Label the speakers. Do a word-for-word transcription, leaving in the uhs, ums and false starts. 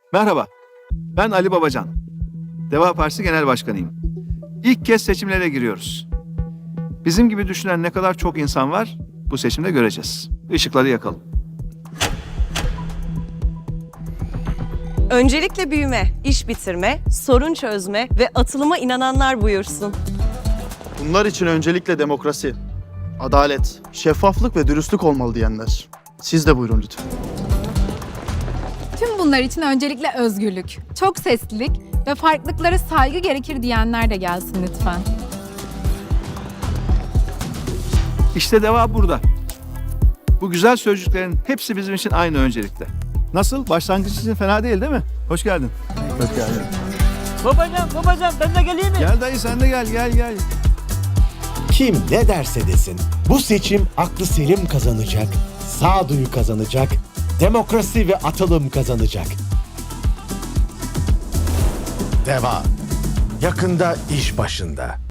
Speaker 1: Merhaba, ben Ali Babacan. Deva Partisi Genel Başkanıyım. İlk kez seçimlere giriyoruz. Bizim gibi düşünen ne kadar çok insan var bu seçimde göreceğiz. Işıkları yakalım.
Speaker 2: Öncelikle büyüme, iş bitirme, sorun çözme ve atılıma inananlar buyursun.
Speaker 3: Bunlar için öncelikle demokrasi, adalet, şeffaflık ve dürüstlük olmalı diyenler. Siz de buyurun lütfen.
Speaker 4: Tüm bunlar için öncelikle özgürlük, çok seslilik ve farklılıklara saygı gerekir diyenler de gelsin lütfen.
Speaker 1: İşte deva burada. Bu güzel sözcüklerin hepsi bizim için aynı öncelikte. Nasıl? Başlangıç için fena değil değil mi? Hoş geldin. Hoş geldin.
Speaker 5: Babacan, babacan ben de geleyim mi?
Speaker 1: Gel dayı sen de gel, gel gel.
Speaker 6: Kim ne derse desin, bu seçim aklı selim kazanacak, sağduyu kazanacak, demokrasi ve atılım kazanacak. Deva, yakında iş başında.